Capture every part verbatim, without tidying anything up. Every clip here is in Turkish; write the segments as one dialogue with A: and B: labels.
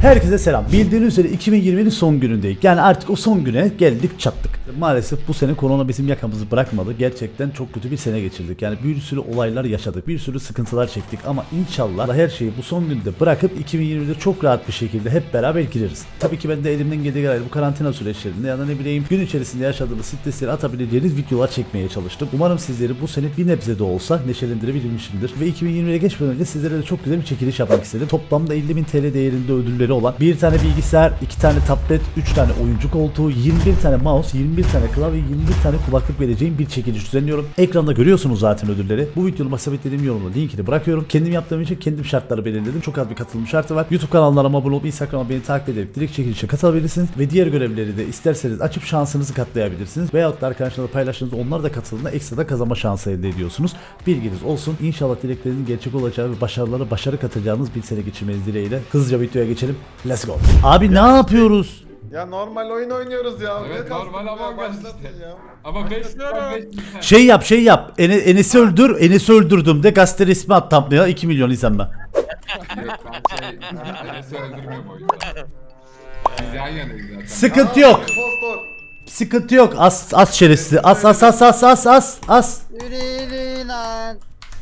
A: Herkese selam. Bildiğiniz üzere iki bin yirminin son günündeyiz. Yani artık o son güne geldik çattık. Maalesef bu sene korona bizim yakamızı bırakmadı. Gerçekten çok kötü bir sene geçirdik. Yani bir sürü olaylar yaşadık. Bir sürü sıkıntılar çektik. Ama inşallah her şeyi bu son günde bırakıp iki bin yirmide çok rahat bir şekilde hep beraber gireriz. Tabii ki ben de elimden geldiği kadar bu karantina süreçlerinde ya da ne bileyim gün içerisinde yaşadığımız stresleri atabileceğiniz videolar çekmeye çalıştım. Umarım sizleri bu sene bir nebze de olsa neşelendirebilmişimdir. Ve iki bin yirmiye geçmeden önce sizlere de çok güzel bir çekiliş yapmak istedim. Toplamda elli bin T L değerinde ödülleri olan bir tane bilgisayar, iki tane tablet, üç tane oyuncu koltuğu, yirmi bir tane mouse, yirmi bir tane klavye, yirmi bir tane kulaklık vereceğim bir çekiliş düzenliyorum. Ekranda görüyorsunuz zaten ödülleri. Bu videonun sabitlediğim yorumda linkini bırakıyorum. Kendim yaptığım için kendim şartları belirledim. Çok az bir katılım şartı var. YouTube kanallarıma abone olup Instagram'a beni takip ederek direkt çekilişe katılabilirsiniz. Ve diğer görevleri de isterseniz açıp şansınızı katlayabilirsiniz. Veyahut da arkadaşlarla paylaştığınızda onlar da katıldığında ekstra da kazanma şansı elde ediyorsunuz. Bilginiz olsun. İnşallah dileklerinizin gerçek olacağı ve başarılara başarı katacağınız bir sene geçirmeniz dileğiyle. Hızlıca videoya geçelim. Let's go. Abi ne yapıyoruz?
B: Ya normal oyun oynuyoruz ya.
C: Evet,
B: Ne kastın
C: normal
B: ya,
C: ama
B: başlatın
C: işte.
B: ya.
C: Ama beş lira beş lira.
A: Şey yap şey yap. Ene, Enes'i öldür. Enes'i öldürdüm de gazete resmi at thumbnail'a iki milyon izlenme.
C: Yok ben şey Enes'i öldürmüyorum o yüzden. Biz yan yanayız zaten.
A: Sıkıntı
B: Aa,
A: yok.
B: impostor.
A: Sıkıntı yok. As as şerefsiz. As as as as as as as.
D: Yürü yürü lan.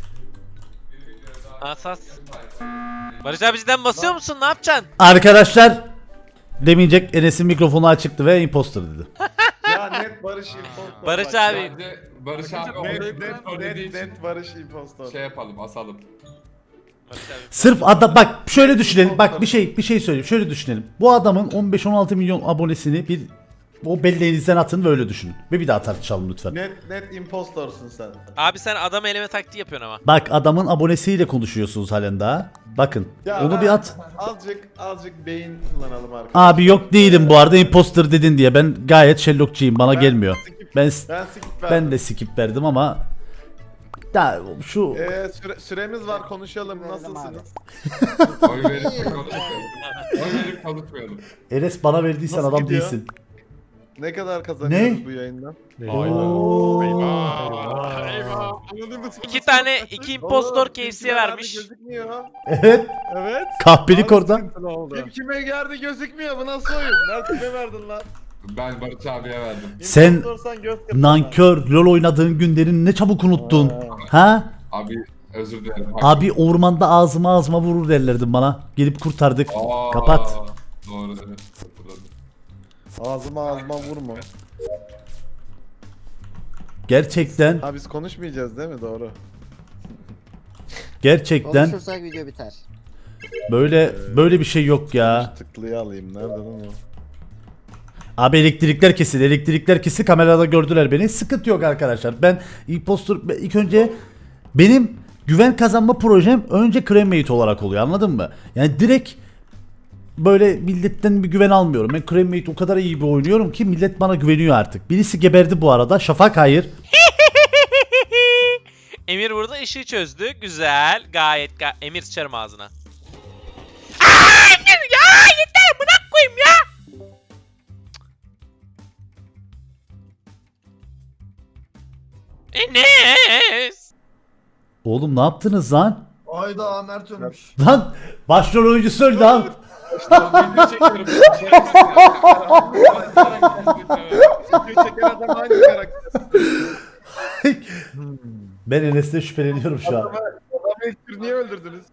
E: Asas. Barış abi cidden basıyor musun? Ne yapacaksın?
A: Arkadaşlar demeyecek Enes'in mikrofonu açıktı ve imposter dedi.
B: Ya net Barış impostor.
E: Barış
B: bak.
E: abi.
C: Bence Barış abi
B: Net
C: onu
B: net
C: söylediği
B: net,
C: için
B: net Barış impostor.
C: şey yapalım asalım.
E: Barış abi.
A: Sırf adam bak şöyle düşünelim. Bak bir şey bir şey söyleyeyim. Şöyle düşünelim. Bu adamın on beş on altı milyon abonesini bir o belleğinizden atın ve öyle düşünün. Ve bir daha tartışalım lütfen.
B: Net net impostorsun sen.
E: Abi sen adam eleme taktiği yapıyorsun ama.
A: Bak adamın abonesiyle konuşuyorsunuz halen daha. Bakın.
B: Ya
A: Onu
B: ben-
A: bir at.
B: Azıcık azıcık beyin kullanalım arkadaşlar.
A: Abi yok değilim bu arada imposter dedin diye. Ben gayet Sherlockçıyım. Bana
B: Ben
A: gelmiyor.
B: skip-
A: Ben
B: Ben skip
A: ben
B: verdim.
A: de skip verdim ama ya şu
B: Ee, süre, süremiz var konuşalım nasılsınız?
C: Oy verip konuşmayalım. Oy verip konuşmayalım.
A: Enes bana verdiysen
B: Nasıl
A: adam
B: gidiyor?
A: değilsin.
B: Ne kadar kazanıyoruz
A: Ne?
B: bu yayından?
E: İki tane iki impostor K F C'ye vermiş.
B: Gözükmüyor.
A: Evet.
B: Evet.
A: Kahpelik orada.
B: Kim kime geldi gözükmüyor bu nasıl oyun? Nerede kime verdin lan?
C: Ben Barış abiye verdim.
A: Sen
B: İmpostorsan göz kırpın
A: nankör LoL oynadığın günlerini ne çabuk unuttun. Ha?
C: Abi özür dilerim.
A: Abi ormanda ağzıma ağzıma vurur derlerdi bana. Gelip kurtardık.
C: Aa,
A: Kapat.
C: Doğru evet. Hatırladım.
B: lan. Ağzıma ağzıma vurma.
A: Gerçekten
B: Ha biz konuşmayacağız değil mi? Doğru.
A: gerçekten
D: Konuşursak video biter.
A: böyle böyle bir şey yok ya.
B: Tıklıyı alayım. Nerede lan o?
A: Abi elektrikler kesildi. Elektrikler kesildi. Kamerada gördüler beni. Sıkıntı yok arkadaşlar. Ben impostor ilk önce benim güven kazanma projem önce cremate olarak oluyor. Anladın mı? Yani direkt böyle milletten bir güven almıyorum. Ben cremate o kadar iyi bir oynuyorum ki millet bana güveniyor artık. Birisi geberdi bu arada. Şafak hayır.
E: Emir burada işi çözdü. Güzel. Gayet ga- Emir sıçarım ağzına. Aa, Emir ya yeter bırak koyayım ya. Enes.
A: Oğlum ne yaptınız lan?
F: Ayda Mert ölmüş.
A: Lan başrol oyuncusu öldü lan.
C: Video çekiyorum.
B: Video çeken adam hangi karakter?
A: Ben Enes'ten şüpheleniyorum şu an.
B: Adamı ilk tür niye öldürdünüz?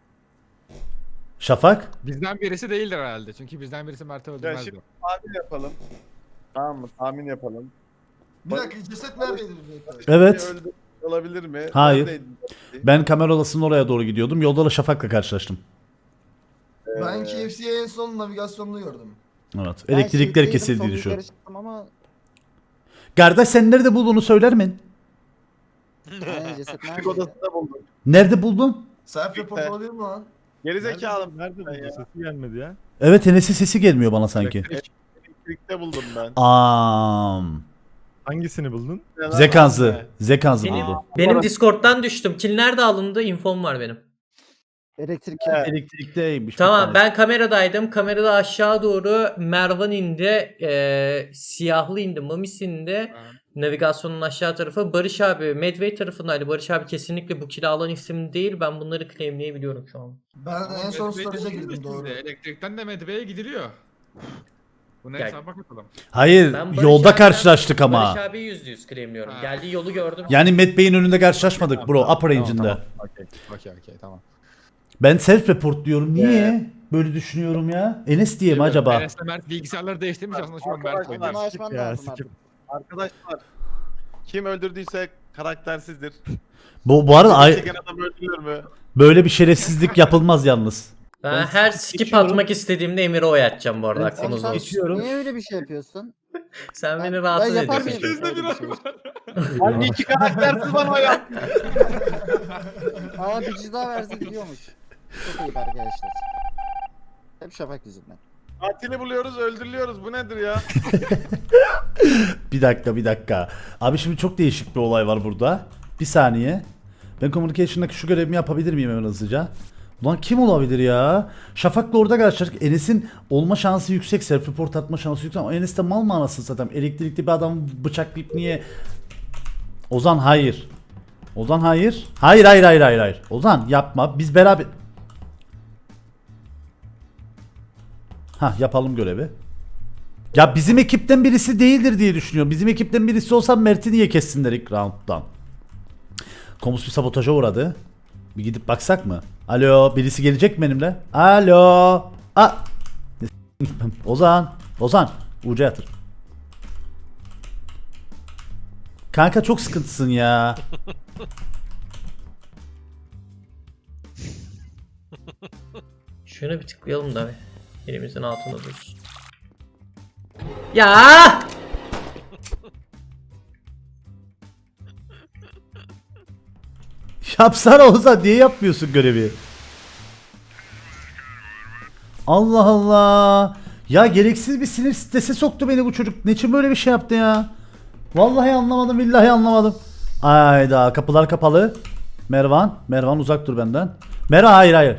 A: Şafak?
F: Bizden birisi değildir herhalde. Çünkü bizden birisi Mert'i
B: Ya
F: öldürmezdi.
B: şimdi tahmin yapalım. Tamam mı? Tahmin yapalım.
G: Bir dakika ceset neredeydi?
A: Evet.
B: Öldü olabilir mi?
A: Hayır.
B: Neredeydi?
A: Ben kamera odasının oraya doğru gidiyordum. Yolda da Şafak'la karşılaştım.
G: Ben K F C'ye en son navigasyonunu gördüm.
A: Evet.
D: Ben
A: Elektrikler
D: shift'teydim,
A: kesildiğini
D: son
A: düşün.
D: yukarı çıktım ama
A: Kardeş sen nerede bulduğunu söyler mi?
D: yani ceset
B: Küçük
D: neredeydi?
B: odasında buldum.
A: Nerede buldun?
G: Self report olabilir mi lan?
B: Gerizekalım.
H: Nerede buldu? Sesi gelmedi ya.
A: Evet Enes'in sesi gelmiyor bana sanki.
B: Elektrikte buldum ben.
A: Am.
H: Hangisini buldun?
A: Zekanzı. Zekanzı
I: Benim,
A: buldu.
I: benim Discord'dan düştüm. Kill nerede alındı? Infom var benim.
D: Elektrik
B: Evet.
A: Elektrikteymiş.
I: Tamam ben kameradaydım. Kamerada aşağı doğru Mervan indi. eee, siyahlı indi. Mamis indi. Navigasyonun aşağı tarafı. Barış abi Medway tarafındaydı. Barış abi kesinlikle bu kili alan isim değil. Ben bunları claimleyebiliyorum şu an.
G: Ben
F: Ama
G: en son
F: Medbay'de
G: storage'a
F: değil
G: girdim
F: mi
G: doğru.
F: şimdi? Elektrikten de Medbay'e gidiliyor. Buna
I: Gel.
F: hesaba katalım.
A: Hayır,
I: Ben Barış
A: yolda
I: abiden-
A: karşılaştık ama.
I: Barış abi yüzde yüz claimliyorum.
F: Ha.
I: Geldiği yolu gördüm.
A: Yani Matt Bey'in önünde karşılaşmadık bro, upper range'inde.
F: Tamam, okey, okey, okey, tamam.
A: Ben self report diyorum. Niye böyle düşünüyorum ya? Enes diye mi acaba?
F: Enes de Mert bilgisayarları değiştirmiş aslında şu an Mert
B: Arkadaşlar,
F: oynuyor.
D: Bunu açman
H: Ya,
D: lazım
H: sikip.
D: artık.
B: Arkadaşlar kim öldürdüyse karaktersizdir.
A: Bu bu arada ay-
B: Çeken adam öldürülür mü?
A: böyle bir şerefsizlik yapılmaz yalnız.
I: Ben
A: Ben
I: her
A: skip
I: skip
A: geçiyorum.
I: atmak istediğimde Emir'e oy atacağım bu arada
A: Ben
I: aklınızda
D: Sen
I: olsun.
A: geçiyorum.
D: niye öyle bir şey yapıyorsun?
I: Sen
D: Ben-
I: beni
D: ben
I: rahatsız
D: yapar
I: ediyorsun.
D: mıyım?
F: Bizde bir
D: Öyle bir şey.
B: Hangi iki karaktersiz bana ya?
D: Aa bir cüzdan verse gidiyormuş. Çok iyi arkadaşlar. Hep Şafak yüzünden.
B: Katili buluyoruz öldürülüyoruz bu nedir ya?
A: Bir dakika bir dakika. Abi şimdi çok değişik bir olay var burada. Bir saniye. Ben communication'daki şu görevimi yapabilir miyim hemen hızlıca? Ulan kim olabilir ya? Şafak'la orada karşılaştık. Enes'in olma şansı yüksek. Self report atma şansı yüksek ama Enes de mal mı anasını satayım? Elektrikli bir adamı bıçaklayıp niye? Ozan hayır. Ozan hayır. Hayır hayır hayır hayır hayır. Ozan yapma. Biz beraber... Ha yapalım görevi. Ya bizim ekipten birisi değildir diye düşünüyorum. Bizim ekipten birisi olsa Mert'i niye kessinler ilk round'dan? Komus bir sabotaja uğradı. Bir gidip baksak mı? Alo, birisi gelecek mi benimle? Alo. A. Ozan. Ozan. Uca yatır. Kanka çok sıkıntısın ya.
I: Şunu bir tıklayalım da bir. Elimizin altında dursun. Ya!
A: Yapsana Ozan, niye yapmıyorsun görevi? Allah Allah. Ya gereksiz bir sinir strese soktu beni bu çocuk. Niçin böyle bir şey yaptı ya? Vallahi anlamadım, billahi anlamadım. Ayda kapılar kapalı. Mervan, Mervan uzak dur benden. Mervan hayır hayır.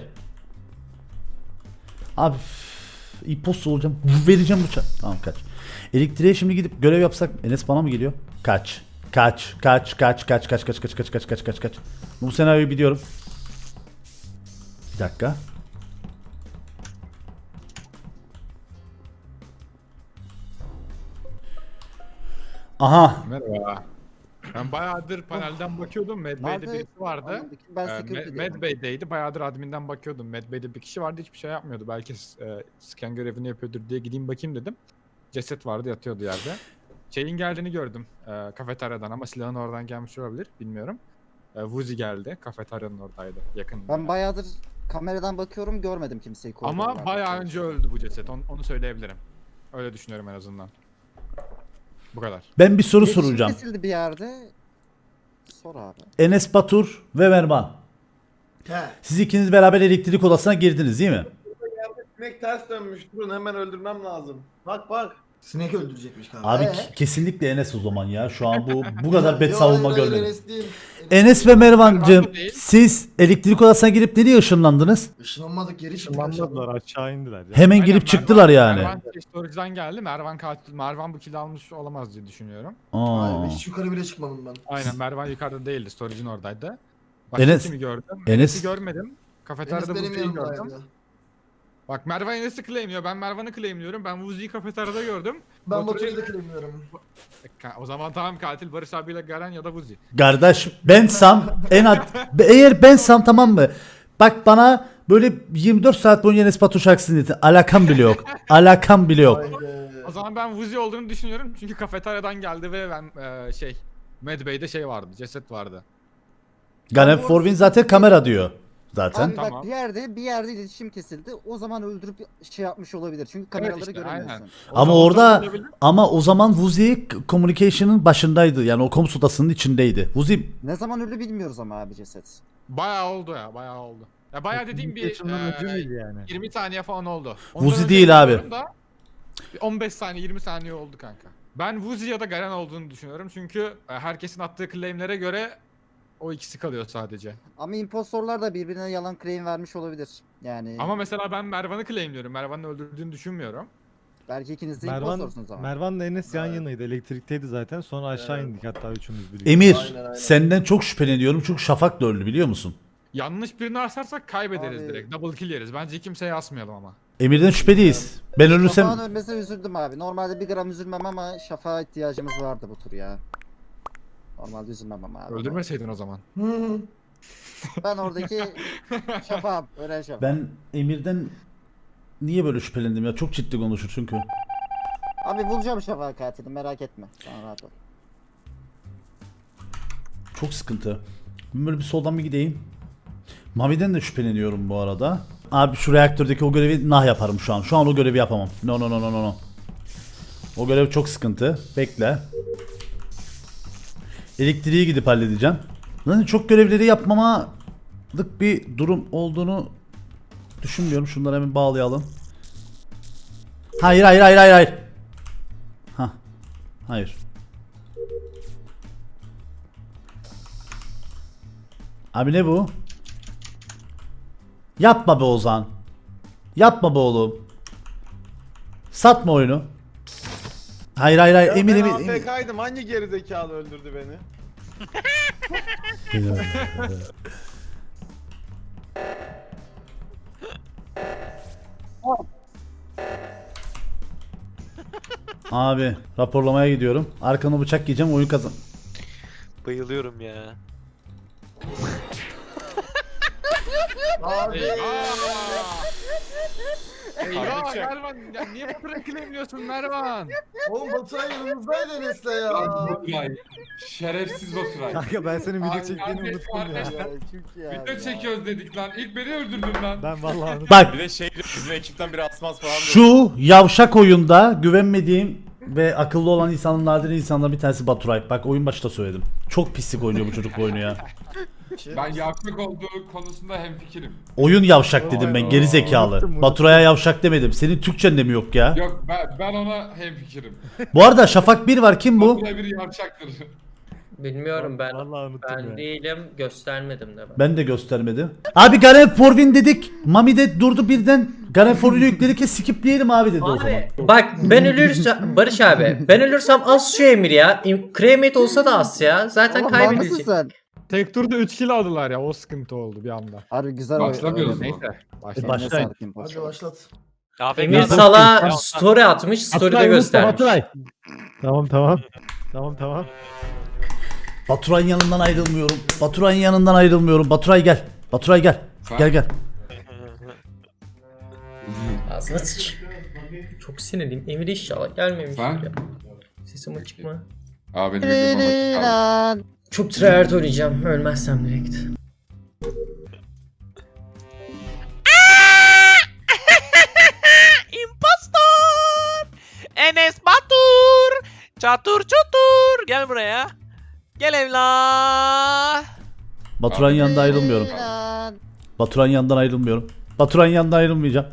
A: Abi İpos olacağım. Vereceğim bıçağı. Tamam kaç. Elektriğe şimdi gidip görev yapsak Enes bana mı geliyor? Kaç. Kaç, kaç, kaç, kaç, kaç, kaç, kaç, kaç, kaç, kaç, kaç, kaç. Bu senaryoyu biliyorum. Bir dakika. Aha.
F: Merhaba. Ben bayağıdır panelden bakıyordum. Medbay'de
D: Nerede?
F: birisi vardı.
D: Anladım. Ben
F: Ee,
D: security
F: Med-
D: diyorum.
F: Medbay'deydi. Bayağıdır adminden bakıyordum. Medbay'de bir kişi vardı, hiçbir şey yapmıyordu. Belki e, scan görevini yapıyordur diye gideyim bakayım dedim. Ceset vardı, yatıyordu yerde. Şeyin geldiğini gördüm e, kafeteryadan ama silahın oradan gelmiş olabilir, bilmiyorum. E, Vuzi geldi, kafeteryanın oradaydı, yakın.
D: Ben bayağıdır kameradan bakıyorum görmedim kimseyi.
F: Ama
D: koridorlarda.
F: bayağı önce öldü bu ceset, onu, onu söyleyebilirim. Öyle düşünüyorum en azından. Bu kadar.
A: Ben bir soru
D: İletişim
A: soracağım.
D: kesildi bir yerde. Sor abi.
A: Enes Batur ve Mervan.
G: He.
A: Siz ikiniz beraber elektrik odasına girdiniz değil mi?
B: Sinek ters dönmüş durun hemen öldürmem lazım. Bak bak.
G: Sinek öldürecekmiş kanka.
A: Abi
G: Ee?
A: ke- kesinlikle Enes o zaman ya. Şu an bu bu kadar bet
G: Yo,
A: savunma
G: hayır, hayır,
A: görmedim.
G: Enes değil.
A: Enes ve Mervancığım
F: Mervan değil.
A: siz elektrik odasına girip nereye ışınlandınız?
G: Işınlanmadık geri çıktık aşağıdan.
H: Işınlanmadılar aşağı indiler. Ya.
A: Hemen
F: Aynen,
A: girip
F: Mervan-
A: çıktılar yani.
F: Mervan storage'dan geldi. Mervan katil, Mervan bu kill almış olamaz diye düşünüyorum.
A: Aa.
G: Hayır, hiç yukarı bile çıkmadım ben.
F: Aynen, Mervan yukarıda değildi, storage'in oradaydı. Başka
A: Enes-
F: kimi gördüm?
A: Enes-
F: Enes'i görmedim.
G: Enes
F: Kafeteryada
G: benim
F: Vuzi'yi gördüm.
G: yanımdaydı.
F: Bak Mervan Enes'i claimliyor, ben Mervan'ı claimliyorum. Ben Vuzi'yi kafeteryada gördüm.
G: Ben
F: Batur'u-
G: Batur'u da claimliyorum.
F: E, ka- O zaman tamam, katil Barış abiyle Garen ya da Vuzi.
A: Kardeş bensam en ad eğer bensam tamam mı? Bak bana böyle yirmi dört saat boyunca Enes Batur şarkısını dinletin. Alakam bile yok. Alakam bile yok.
G: Vay be.
F: O zaman ben Vuzi olduğunu düşünüyorum çünkü kafeteryadan geldi ve ben e, şey Medbay'de şey vardı, ceset vardı.
A: Garen Forvin zaten kamera diyor. Zaten.
D: Abi
F: Tamam.
D: bak bir yerde bir yerde iletişim kesildi. O zaman öldürüp şey yapmış olabilir. Çünkü kameraları
F: işte,
D: göremiyorsun.
F: aynen. O
A: Ama
F: zaman
A: orada
F: olabilir.
A: ama o zaman Vuzi communication'ın başındaydı. Yani o komus odasının içindeydi. Vuzi
D: Ne zaman öldü bilmiyoruz ama abi ceset.
F: Bayağı oldu ya, bayağı oldu. Ya bayağı dediğim bir
H: Communication'dan önce
F: e,
H: değil yani.
F: yirmi saniye falan oldu.
A: Vuzi
F: önce
A: değil abi.
F: bilmiyorum da bir on beş saniye yirmi saniye oldu kanka. Ben Vuzi ya da Garen olduğunu düşünüyorum çünkü e, herkesin attığı claimlere göre o ikisi kalıyor sadece.
D: Ama impostorlar da birbirine yalan claim vermiş olabilir. Yani
F: Ama mesela ben Mervan'ı claimliyorum. Mervan'ın öldürdüğünü düşünmüyorum.
D: Belki ikiniz de
H: Mervan,
D: impostorsunuz ama.
H: Mervan'la Enes yan
G: Evet.
H: yanaydı. Elektrikteydi zaten. Sonra aşağı
G: Evet.
H: indik hatta üçümüz birlikte.
A: Emir
G: Aynen, aynen.
A: senden çok şüpheleniyorum çünkü Şafak da öldü biliyor musun?
F: Yanlış birini asarsak kaybederiz
D: Abi-
F: direkt. Double kill yeriz. Bence kimseye asmayalım ama.
A: Emir'den şüpheliyiz. Ben ölürsem
D: Şafak'ın ölmesine üzüldüm abi. Normalde bir gram üzülmem ama Şafak'a ihtiyacımız vardı bu tur ya. Normalde üzülmem ama abi.
F: Öldürmeseydin o zaman.
G: Hı.
D: Ben oradaki Şafak'ım. Ölen Şafak.
A: ben Emir'den niye böyle şüphelendim ya? Çok ciddi konuşur çünkü.
D: Abi bulacağım Şafak katilini merak etme. Sen rahat ol.
A: Çok sıkıntı. Ben böyle bir soldan bir gideyim. Mami'den de şüpheleniyorum bu arada. Abi şu reaktördeki o görevi nah yaparım şu an. Şu an o görevi yapamam. No no no no no no. O görev çok sıkıntı. Bekle. Elektriği gidip halledeceğim. Zaten çok görevleri yapmamalık bir durum olduğunu düşünmüyorum. Şunları hemen bağlayalım. Hayır hayır hayır hayır hayır. Hah. Hayır. Abi ne bu? Yapma be Ozan. Yapma be oğlum. Satma oyunu. Hayır hayır hayır.
B: Ya
A: Emin
B: ben
A: emin.
B: A
A: emin.
B: F K'ydım. Hangi gerizekalı öldürdü beni?
A: Abi raporlamaya gidiyorum. Arkana bıçak yiyeceğim oyun kazan.
E: Bayılıyorum ya.
G: Abi.
F: Eyvah Mervan ya niye bu kadar claimliyorsun Mervan?
G: Oğlum Baturay yanımızdaydı Enes'le ya.
C: Lan Baturay. Şerefsiz Baturay.
H: Kanka ben senin video
C: Ay,
H: çektiğini
C: kardeş,
H: unuttum ya.
C: kardeş.
D: Ya, çünkü ya.
C: Video
D: ya.
C: çekiyoruz dedik lan. İlk beni öldürdün lan.
H: Ben vallahi unuttum.
A: Bak
B: Bir de şey diyor, bizim ekipten biri asmaz falan diyor.
A: şu yavşak oyunda güvenmediğim ve akıllı olan insanın nadir insanlardan bir tanesi Baturay. Bak oyun başta söyledim. Çok pislik oynuyor bu çocuk bu oyunu ya.
C: Ben yavşak olduğu konusunda hemfikirim.
A: Oyun yavşak dedim ben geri zekalı.
H: Unuttum, unuttum.
A: Baturay'a yavşak demedim. Senin Türkçen de mi yok ya?
C: Yok ben, ben ona hemfikirim.
A: Bu arada Şafak bir var kim bu?
C: Baturay bir yavşaktır.
I: Bilmiyorum ben.
H: Vallahi unuttum
I: Ben
H: ya.
I: değilim, göstermedim de ben.
A: Ben de göstermedim. Abi Garen Forvin dedik. Mami de durdu birden. Garen Forvin'i yükledik ya skipleyelim abi dedi o zaman.
I: Abi bak ben ölürsem Barış abi ben ölürsem az şu Emir ya. İm- Cremate olsa da az ya. Zaten
D: Oğlum var mısın
I: kaybedilecek.
D: sen?
F: Tek turda üç kill aldılar ya o sıkıntı oldu bir anda.
D: Harbi güzel oyun.
C: Başlamıyoruz mu?
F: Neyse. Başla.
A: Baş- Başlayın.
G: Hadi başlat.
E: A F K
I: Emir
E: adam-
I: Sala story atmış, story'de göstermiş.
H: Tamam tamam. Tamam tamam.
A: Baturay'ın yanından ayrılmıyorum. Baturay'ın yanından ayrılmıyorum. Baturay gel. Baturay gel.
C: Sen-
A: Gel gel.
I: Ağzına sıç. Çok sinirliyim. Emir inşallah gelmemiş.
C: Sen?
I: Ya. Sesim açık mı?
C: Abi benim videom açık kaldı.
D: Lan.
I: Çok tryhard oynayacağım. Ölmezsem direkt.
E: İmpostor! Enes Batur! Çatur çutur! Gel buraya. Gel evlat.
A: Baturay'ın yanından ayrılmıyorum.
D: Lan.
A: Baturay'ın yanından ayrılmıyorum. Baturay'ın yanından ayrılmayacağım.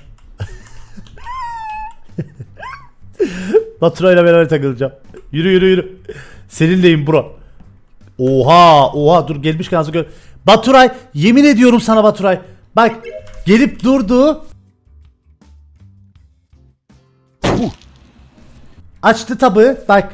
A: Baturay'la beraber takılacağım. Yürü yürü yürü. Seninleyim bro. Oha oha dur gelmiş kansı gör. Baturay yemin ediyorum sana Baturay. Bak gelip durdu. Uh. Açtı tabı bak.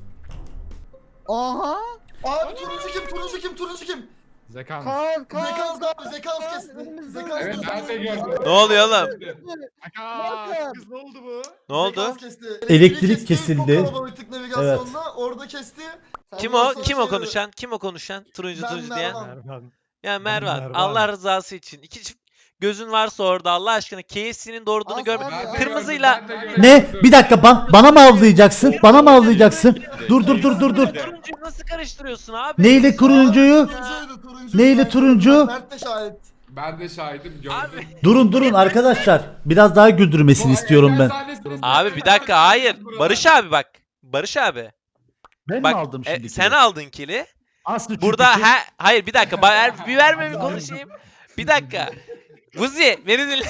D: Oha.
G: Abi turuncu kim? Turuncu kim? Turuncu kim?
F: Zekan.
D: Kan kan.
G: Zekans da abi. Zekans kesti. Zekans
C: Evet
G: kesti.
C: ben de gördüm.
E: Ne oluyor oğlum?
F: Zekan. Kız ne oldu bu?
E: Ne oldu?
G: Zekans kesti.
A: Elektrik
G: kesti,
A: kesildi.
G: Çok kalabalıktık navigasyonda. Orada kesti.
E: Kim o?
G: Ondan
E: Kim o
G: sonra-
E: konuşan? Kim o konuşan? Turuncu
G: Ben
E: turuncu diyen.
G: Mervan.
H: Mervan.
E: Ya Mervan,
H: Mervan.
E: Allah rızası için. İki çift gözün varsa orada Allah aşkına K F C'nin doğurduğunu
D: Az
E: görmedim.
D: abi,
C: Ben de
E: Kırmızıyla.
C: gördüm, ben de gördüm.
A: Ne? Bir dakika ba- bana mı avlayacaksın? Bana mı avlayacaksın? Dur dur dur dur dur.
E: Turuncuyu nasıl karıştırıyorsun abi?
A: Neyle turuncuyu?
G: Turuncuydu, turuncu.
A: Neyle turuncu?
G: Mert de şahit.
C: Ben de şahidim gördüm.
E: Abi.
A: Durun durun arkadaşlar. Biraz daha güldürmesini istiyorum ben.
E: Abi bir dakika hayır. Barış abi bak. Barış abi.
A: Ben
E: Bak
A: mi aldım
E: e,
A: şimdi?
E: sen aldın kili.
A: Aslı
E: Burada he, hayır bir dakika. Ba- bir verme bir konuşayım. Bir dakika. Buzi beni dinle.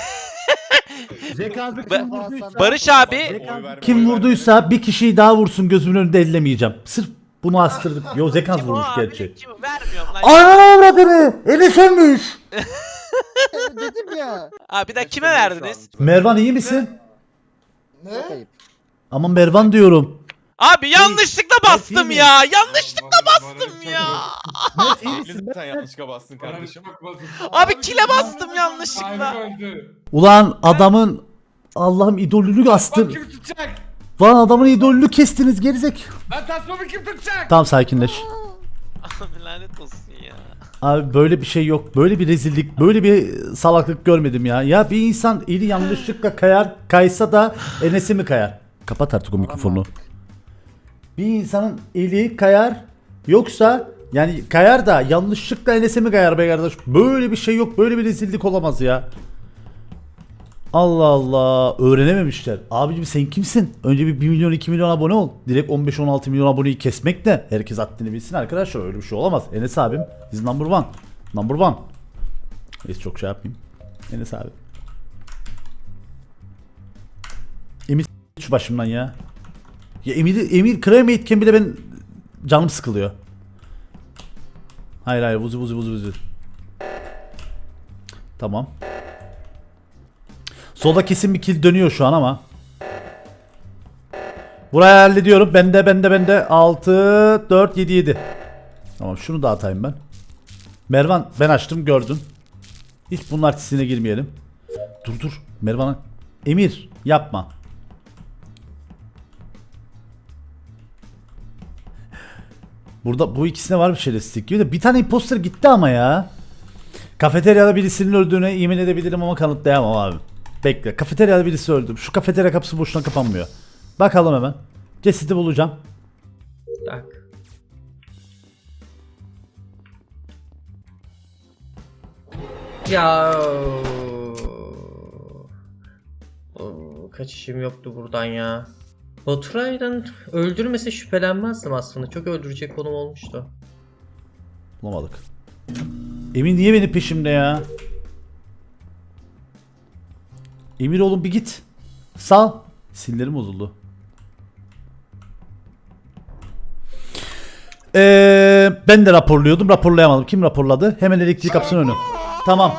E: Ba- Barış abi
A: Kim vurduysa bir kişiyi daha vursun gözümün önünde ellemeyeceğim. Sırf bunu astırdık. Yo Zekans
E: kim o
A: vurmuş
E: abi?
A: gerçi.
E: Kim o? Vermiyorum lan.
A: Anam avradını! Eli sönmüş.
D: Dedim ya.
E: Abi bir dakika kime verdiniz?
A: Mervan iyi misin?
G: Ne?
D: Çok ayıp.
A: Ama Mervan diyorum.
E: Abi yanlışlıkla bastım
A: iyi mi?
E: ya. Yanlışlıkla
C: Morali
E: bastım
C: çok
E: ya.
A: Mert iyi misin?
J: Sen yanlışlıkla bastın
C: Morali
J: kardeşim.
C: çok bozuk.
E: Abi kile bastım yanlışlıkla.
C: Sahibi öldü.
A: Ulan adamın Allah'ım idolünü
B: Bak
A: astın.
B: kim tutacak?
A: Lan adamın idolünü kestiniz gerizek.
B: Lan tasmamı kim tutacak?
A: Tamam sakinleş.
E: Abi lanet olsun ya.
A: Abi böyle bir şey yok. Böyle bir rezillik, böyle bir salaklık görmedim ya. Ya bir insan eli yanlışlıkla kayar, kaysa da Enes'e mi kayar? Kapat artık o mikrofonu. Bir insanın eli kayar, yoksa yani kayar da yanlışlıkla Enes'e mi kayar be kardeş? Böyle bir şey yok, böyle bir rezillik olamaz ya. Allah Allah, öğrenememişler. Abicim sen kimsin? Önce bir bir milyon iki milyon abone ol. Direkt on beş on altı milyon aboneyi kesmek de herkes haddini bilsin arkadaşlar, öyle bir şey olamaz. Enes abim is number one. Number one. Neyse çok şey yapmayayım. Enes abi. Emir s- şu başımdan ya. Ya Emir, Emir kremeyitken bile ben canım sıkılıyor. Hayır hayır vuzu vuzu vuzu vuzu. Tamam. Solda kesin bir kill dönüyor şu an ama. Burayı hallediyorum. Bende bende bende. altı dört yedi yedi. Tamam şunu da atayım ben. Mervan ben açtım gördün. Hiç bunun artistine girmeyelim. Dur dur. Mervan'a. Emir yapma. Burada bu ikisine var bir şerefsizlik gibi de bir tane imposter gitti ama ya. Kafeteryada birisinin öldüğüne yemin edebilirim ama kanıtlayamam abi. Bekle. Kafeteryada birisi öldü. Şu kafeterya kapısı boşuna kapanmıyor. Bakalım hemen. Cesedi bulacağım.
I: Tak. Ya. Oo, kaçışım yoktu buradan ya. Baturay'dan öldürmese şüphelenmezdim aslında. Çok öldürecek konum olmuştu.
A: Bulamadık. Emin niye benim peşimde ya? Emir oğlum bir git. Sal. Sillerim bozuldu. Ee, ben de raporluyordum. Raporlayamadım. Kim raporladı? Hemen elektrik kapısının önü. Tamam.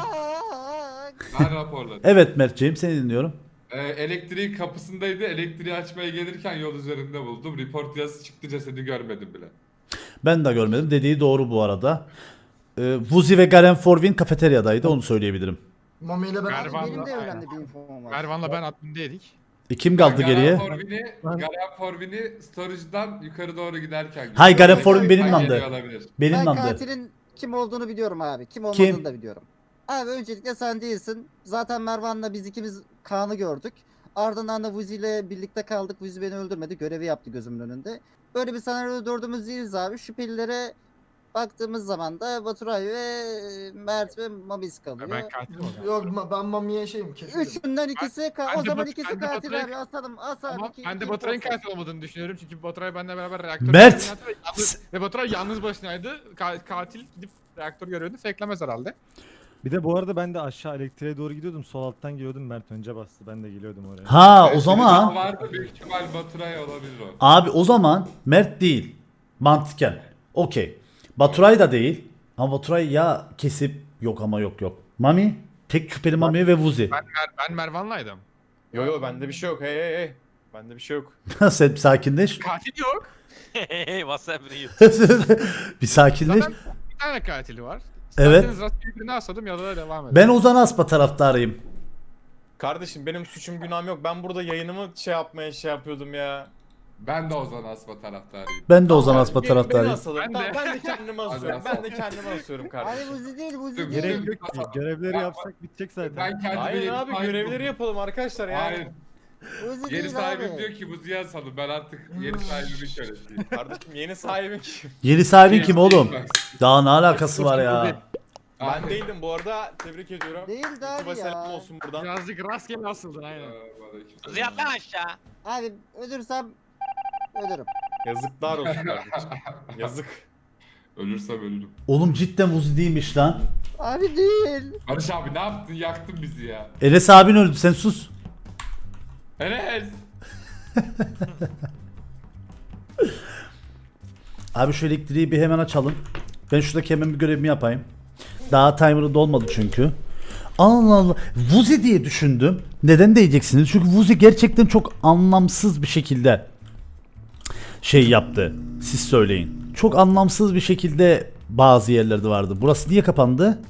C: Ben raporladım.
A: Evet Mertciğim seni dinliyorum.
C: Ee, elektriğin kapısındaydı. Elektriği açmaya gelirken yol üzerinde buldum. Report yazısı çıktı, cesedi görmedim bile.
A: Ben de görmedim. Dediği doğru bu arada. Ee, Vuzi ve Garen Forvin kafeteryadaydı. Onu söyleyebilirim.
G: Mami ile ben
F: Galiba-
D: Benim de
F: Aynen.
D: önemli bir infom var.
F: Mervan'la ben admindeydik.
A: E, kim kaldı
C: Garen
A: geriye?
C: Forvin'i, Garen Forvin'i storage'dan yukarı doğru giderken gördüm.
A: Hay, Garen Forvin benim
C: Ay,
A: landı.
C: geliyor olabilir.
A: Benim
D: Ben
A: landı.
D: katilin kim olduğunu biliyorum abi. Kim olmadığını
A: Kim?
D: da biliyorum. Abi öncelikle sen değilsin. Zaten Mervan'la biz ikimiz Kaan'ı gördük. Ardından da Vuzi ile birlikte kaldık. Vuzi beni öldürmedi. Görevi yaptı gözümün önünde. Böyle bir senaryoda dördümüz değiliz abi. Şüphelilere baktığımız zaman da Baturay ve Mert ve Mabis
F: Ya
G: Ee,
F: ben
D: kalıyor.
F: katil oldum.
G: Yok ma- ben Mami'ye şeyim kesin.
D: Üçünden ikisi ka-
F: ben
D: o
F: de
D: zaman
F: Bat-
D: ikisi
F: ben de
D: katil
F: Baturay-
D: abi. Asalım as abi.
F: Ama
D: iki-
F: ben de
D: iki
F: Baturay'ın
D: imposter.
F: katil olmadığını düşünüyorum çünkü Baturay benimle beraber reaktör
A: Mert!
F: görevini yaptı ve yalnız- ve Baturay yalnız başınaydı. Ka- katil gidip reaktör görevini fakelemez herhalde.
H: Bir de bu arada ben de aşağı elektriğe doğru gidiyordum. Sol alttan geliyordum. Mert önce bastı. Ben de geliyordum oraya.
A: Ha o
C: Şimdi
A: zaman
C: daha vardı, büyük ihtimal Baturay olabilir o.
A: abi o zaman Mert değil. Mantıken. Okey. Baturay da değil. Ama Baturay ya kesip yok ama yok yok. Mami tek şüpheli Mami ve Vuzi.
F: Ben, Mer ben Mervan'laydım.
J: Yo yo bende bir şey yok. Hey hey hey. Bende bir şey yok.
A: Sen bir sakinleş.
F: Katil yok.
E: Hey WhatsApp real.
A: Bir sakinleş.
F: Zaten bir tane katili var.
A: Evet.
F: İsterseniz rastgele birini asadım ya da devam edelim.
A: Ben Ozan Aspa taraftarıyım.
J: Kardeşim benim suçum günahım yok. Ben burada yayınımı şey yapmaya şey yapıyordum ya.
C: Ben de Ozan Asma taraftarıyım.
A: Ben de Ozan Aspa
J: Beni- Beni
A: taraftarıyım.
J: asalım.
F: Ben de.
J: Tamam, ben de kendimi asıyorum.
C: Hadi
J: Ben de kendimi asıyorum
D: Abi
J: kardeşim.
D: Vuzi değil Vuzi
C: Dur,
D: değil.
H: Gerek yok ki. Görevleri
C: Ben-
H: yapsak bitecek zaten.
C: Ben kendime
J: Hayır
C: yeni
J: abi
C: sahibim
J: görevleri
C: buldum.
J: yapalım arkadaşlar ya.
C: Hayır.
D: Vuzi
C: Yeni
D: değil
C: sahibim
D: abi.
C: diyor ki bu Ziya salın. Ben artık yeni sahibimi söyledim.
J: Kardeşim yeni sahibim kim?
A: Yeni sahibin kim oğlum? Daha ne alakası var ya?
J: Ben değildim bu arada. Tebrik ediyorum.
D: Değildi abi
J: YouTube'a selam
D: ya.
J: olsun buradan.
F: Birazcık rastgele asıldın aynen.
E: Ziyad lan aşağı.
D: Abi ölürsem ölürüm.
J: Yazıklar olsun kardeşim. Yazık.
C: Ölürsem ölürüm.
A: Oğlum cidden Vuzi değilmiş lan.
D: Abi değil.
C: Barış abi ne yaptın? Yaktın bizi ya.
A: Enes abin öldü sen sus.
C: Enes!
A: Abi şu elektriği bir hemen açalım. Ben şuradaki hemen bir görevimi yapayım. Daha timer'ı dolmadı çünkü. Allah Allah. Vuzi diye düşündüm. Neden diyeceksiniz? Çünkü Vuzi gerçekten çok anlamsız bir şekilde şey yaptı. Siz söyleyin. Çok anlamsız bir şekilde bazı yerlerde vardı. Burası niye kapandı?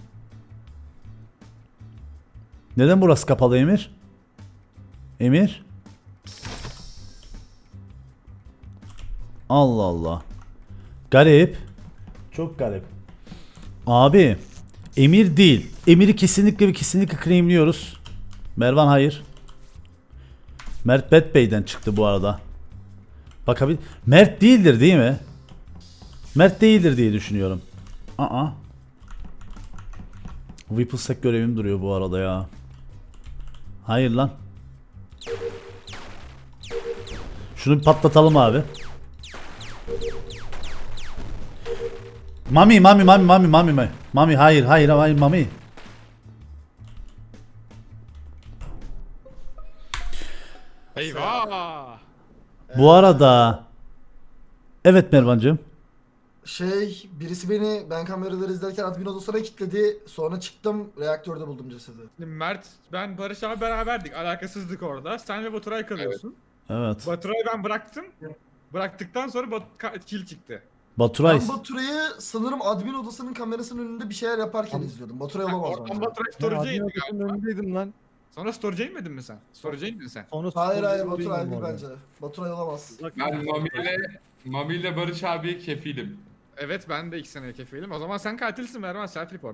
A: Neden burası kapalı Emir? Emir? Allah Allah. Garip. Çok garip. Abi Emir değil. Emir'i kesinlikle ve kesinlikle claimliyoruz. Mervan hayır. Mert Bet Bey'den çıktı bu arada. Bakabil. Mert değildir değil mi? Mert değildir diye düşünüyorum. Aa. Whipplesec görevim duruyor bu arada ya. Hayır lan. Şunu bir patlatalım abi. Mami mami mami mami mami mami. Mami hayır hayır hayır mami.
F: Eyvah!
A: Bu arada evet Mervancığım.
G: Şey, birisi beni ben kameraları izlerken admin odasına kilitledi. Sonra çıktım, reaktörde buldum cesedi.
F: Şimdi Mert, ben Barış abi beraberdik. Alakasızlık orada. Sen ve Baturay kalıyorsun.
A: Evet.
F: Baturay'ı ben bıraktım. Bıraktıktan sonra Bat ka- kill çıktı.
A: Baturay.
G: Ben Baturay'ı sanırım admin odasının kamerasının önünde bir şeyler yaparken izliyordum. Baturay olamaz
F: Oradan
G: bence.
F: Baturay
H: Ben
F: storage'e
H: admin
F: indi
H: odasının
F: galiba.
H: önündeydim lan.
F: Sonra storage'e inmedin mi sen? Storage'e indin sen.
H: Sonra
G: Hayır hayır
H: storage'e
G: Baturay
H: indim
G: değil
H: orada.
G: bence. Baturay olamaz.
C: Ben Mami ile Mami ile Barış abiye kefilim.
F: Evet, ben de iki seneye kefilim. O zaman sen katilsin Mervan, self report.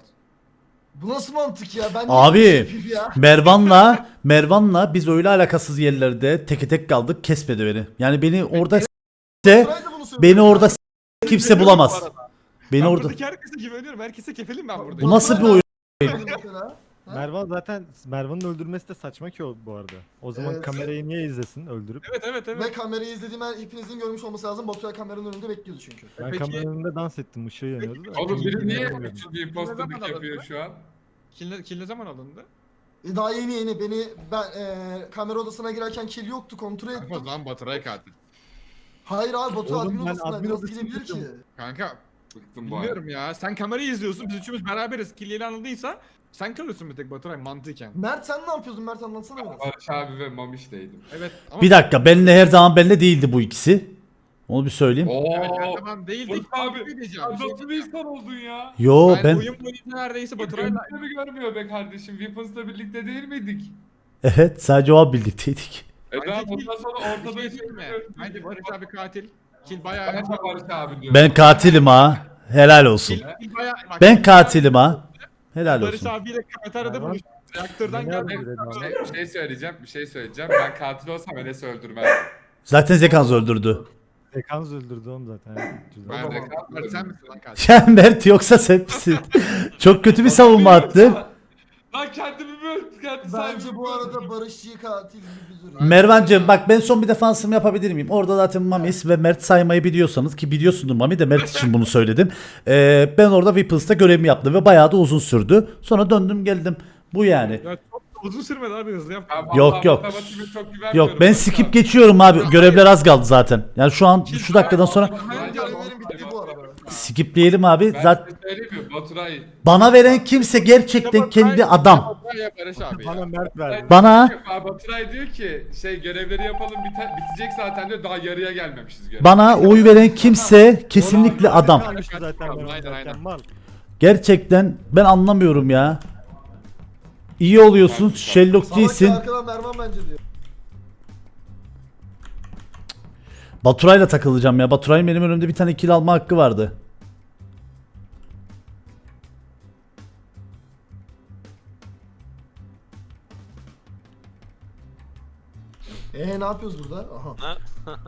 G: Bu nasıl mantık ya? Ben
A: Abi,
G: niye böyle bir şey yapayım ya?
A: Mervan'la Mervan'la biz öyle alakasız yerlerde teke tek kaldık, kesmedi beni. Yani beni orada s- de
G: Baturay da bunu söylüyor.
A: beni orada s- kimse bulamaz. Beni
F: Ben
A: orada.
F: buradaki herkese güveniyorum. Herkese kefilim ben burada.
A: Bu nasıl bir oyun?
G: Mesela. Ha?
H: Mervan zaten Mervan'ın öldürmesi de saçma ki o bu arada. O zaman
G: Evet.
H: kamerayı niye izlesin öldürüp?
F: Evet evet evet.
G: Ve kamerayı izlediğim her hepinizin görmüş olması lazım. Baturay kameranın önünde bekliyordu çünkü.
H: Ben
F: Peki-
H: kameranın önünde dans ettim, ışığı yanıyordu da.
C: Oğlum biri niye
H: Bilmiyorum.
C: üçüncü imposterlık yapıyor şu an?
F: Kill, ne- kill ne zaman alındı?
G: E, daha yeni yeni beni ben e, kamera odasına girerken kill yoktu kontrol
F: O
G: ettim.
F: zaman Baturay katil.
G: Hayır abi Baturay
H: Oğlum,
G: admin
H: ben
G: odasına
H: admin
G: nasıl
H: odasına
G: gidebilir ki?
H: gittim.
F: Kanka
C: Bıktım bu arada.
F: bilmiyorum ya. Sen kamerayı izliyorsun. Biz üçümüz beraberiz. Kill yeni anıldıysa sen kalıyorsun bir tek Baturay mantıken.
G: Mert sen ne yapıyordun Mert anlatsana biraz.
C: Barış abi ve Mamiş'teydim.
F: Evet ama
A: Bir dakika, benle her zaman benle değildi bu ikisi. Onu bir söyleyeyim.
F: Evet, her
C: Ooo.
F: zaman değildik.
C: Barış abi.
F: Bir diyeceğim, bir şey
C: Nasıl bir
F: diyeceğim.
C: insan oldun ya?
A: Yo
F: Ben,
A: ben
F: oyun boyunca neredeyse Baturay'la
C: Gönlünde mi görmüyor be kardeşim? Weapons'la birlikte değil miydik?
A: evet sadece o an birlikteydik.
C: E
F: Bence
C: daha
F: ki-
C: bundan sonra
F: bir
C: ortada
F: şey diyeyim mi? Bence Barış abi katil. Kill bayağı...
C: Ben de Barış abi diyorum.
A: Ben katilim ha. Helal olsun.
F: Kill, kill bayağı... Bak,
A: Ben
F: kill
A: katilim ha. Helal
F: Barış
A: olsun.
F: abiyle kafeteryada
H: Mervan,
F: buluştuk. Reaktörden
H: beni
F: geldik.
H: öldürdü abi.
C: Şey, bir şey söyleyeceğim, bir şey söyleyeceğim. Ben katil olsam Enes'i öldürmezdim.
A: Zaten Zekans öldürdü.
H: Zekans öldürdü oğlum zaten.
C: Ben de
F: Mert sen misin lan katil?
A: Ya Mert yoksa sen misin? Çok kötü bir savunma attın.
C: Lan kendimi mi öldürdüm? Kendi
G: Bence
C: sahibimi
G: bu arada
C: öldürdüm.
G: Barışçı katil gibi duruyor.
A: Mervancığım bak, ben son bir defansımı yapabilir miyim? Orada zaten Mamis ve Mert saymayı biliyorsanız, ki biliyorsundur Mami de, Mert için bunu söyledim. Ee, ben orada Weapons'ta görevimi yaptım ve bayağı da uzun sürdü. Sonra döndüm geldim. Bu yani.
F: Ya çok uzun sürmedi abi, hızlı yap.
C: Ben
A: Yok,
C: vallahi
A: yok.
C: matematiğime çok güvenmiyorum.
A: Yok ben
C: Barış
A: skip
C: abi.
A: geçiyorum abi. Görevler az kaldı zaten. Yani şu an şu dakikadan sonra
G: Benim görevlerim bitti bu arada.
A: skipleyelim abi.
C: Ben
A: Zaten
C: size söyleyeyim mi? Baturay.
A: bana veren kimse gerçekten kendi adam.
F: Ya Barış abi
H: Bana
F: ya.
H: Mert verdi.
A: Bana
C: Baturay diyor ki şey görevleri yapalım bite, bitecek zaten diyor, daha yarıya gelmemişiz görev.
A: bana oy veren kimse kesinlikle
H: Oğlum,
A: adam.
H: kalmıştı zaten
F: Aynen,
H: Mervan
F: aynen.
H: zaten, mal.
A: Gerçekten ben anlamıyorum ya. İyi oluyorsun, Sherlock
G: Salak
A: değilsin.
G: ya, arkadan Mervan bence diyor.
A: Baturay'la takılacağım ya. Baturay'ın benim önümde bir tane kill alma hakkı vardı.
G: Eee ne yapıyoruz burada? Aha.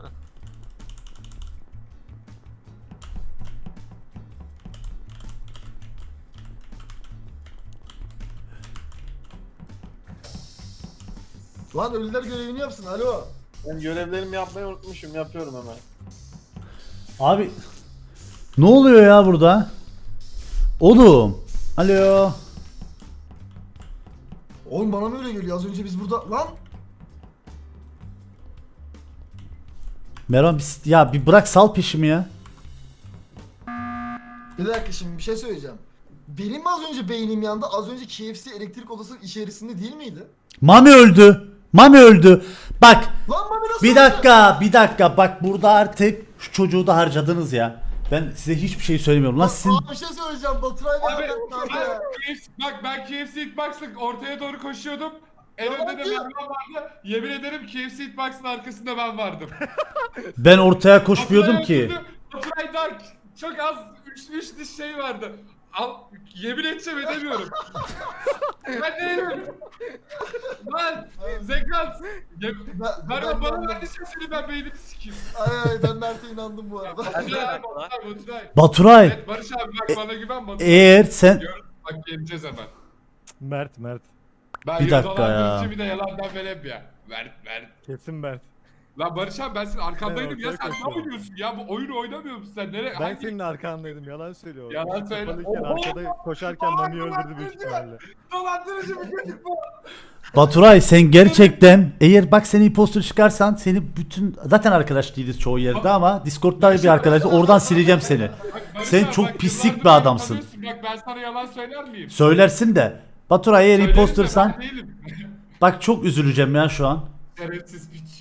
G: Lan ölüler görevini yapsın alo.
J: Ben görevlerimi yapmayı unutmuşum. Yapıyorum hemen.
A: Abi ne oluyor ya burada? Oğlum. Alo.
G: Oğlum bana mı öyle geliyor? Az önce biz burada... Lan!
A: Mervan bir, ya bir bırak sal peşimi ya.
G: Bir dakika şimdi bir şey söyleyeceğim. Benim mi az önce beynim yandı? Az önce K F C elektrik odası içerisinde değil miydi?
A: Mami öldü. Mami öldü. Bak
G: Lan Mami nasıl
A: bir
G: öldü?
A: dakika bir dakika bak burada artık şu çocuğu da harcadınız ya. Ben size hiçbir şey söylemiyorum. Lan sizin
G: Aa, bir şey söyleyeceğim. Baturay
C: Abi,
G: Bey anlattı abi ya.
C: K F C bak ben K F C Hitbox'ın ortaya doğru koşuyordum. En
G: Tamam
C: önde de
G: diyor.
C: Mervan vardı. Yemin ederim K F C Hitbox'ın arkasında ben vardım.
A: ben ortaya koşmuyordum
C: Baturay
A: ki.
C: öldürdü. Baturay'dan çok az üç, üç diş şey vardı. Al, yemin edeceğim edemiyorum. Ben değilim. Lan Zekans. Ye-
G: Ben,
C: Mervan
G: ben,
C: bana
G: ben,
C: verdiysen seni ben beynimi sikeyim.
G: ay ay ben Mert'e inandım bu arada.
C: Baturay, Baturay, Baturay.
A: Baturay
C: Evet Barış abi bak bana güven Baturay.
A: eğer sen
C: Gör, bak geleceğiz hemen.
H: Mert Mert.
C: Ben
A: Bir dakika ya.
C: dolandırıcı bir de yalandan verem ya. Ver ver.
H: Kesin Mert.
C: Lan Barış abi ben senin arkandaydım
H: Ben
C: ya
H: ortaya
C: sen ne
H: koşuyorum.
C: oynuyorsun ya bu oyunu oynamıyor musun sen nereye?
H: Ben
C: hangi-
H: senin arkandaydım yalan söylüyor.
C: Yalan söyle.
H: Kapalıyken
C: Oho!
H: arkada koşarken Mami'yi öldürdü büyük ihtimalle.
C: Dolandırıcı bir çocuk bu.
A: Baturay sen gerçekten eğer bak seni impostor çıkarsan seni bütün zaten arkadaş değiliz çoğu yerde ama Discord'da bir arkadaş oradan sileceğim seni.
C: Bak, Barış
A: Sen
C: abi,
A: çok
C: bak,
A: pislik
C: yıllardır
A: bir
C: beni
A: adamsın.
C: tanıyorsun. Bak ben sana yalan söyler miyim?
A: Söylersin de Baturay eğer
C: Söylerim de
A: impostorsan
C: ben değilim.
A: bak çok üzüleceğim ya şu an.
C: Şerefsiz piç.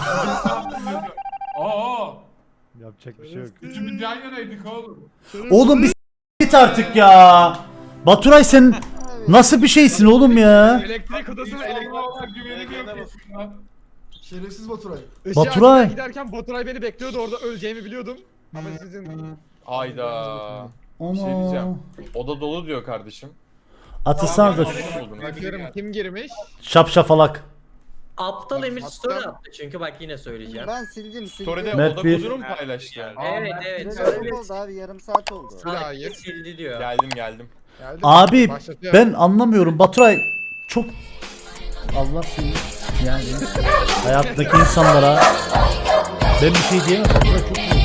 C: Aa,
H: Yapacak bir şey yok.
C: üçümüz yan yanaydık oğlum.
A: Oğlum bir s- git artık ya. Baturay sen nasıl bir şeysin oğlum ya?
F: Elektrik odasına
C: Elektrik
F: elektrik...
C: olan güvenim yok ya.
G: Şerefsiz Baturay.
F: Işığı
A: Baturay.
F: açmaya giderken Baturay beni bekliyordu orada öleceğimi biliyordum. Ama sizin...
J: Hayda. Bir şey diyeceğim. Oda dolu diyor kardeşim.
A: Atılsana da
J: Buldum.
F: Bakıyorum kim girmiş?
A: şapşafalak.
I: Aptal Emir story attı çünkü bak yine söyleyeceğim.
D: Ben sildim sildim.
J: Story'de
A: Mert
J: oda
A: bir-
J: kodunu mu paylaştı?
I: Evet evet.
D: Süre
I: Söyle.
D: çok oldu abi yarım saat oldu.
F: Hayır.
I: Sildi diyor.
J: Geldim geldim.
F: Geldi.
A: Abi
F: Başlatıyor.
A: ben anlamıyorum Baturay çok Allah seni yani hayattaki insanlara ben bir şey diyemem Baturay çok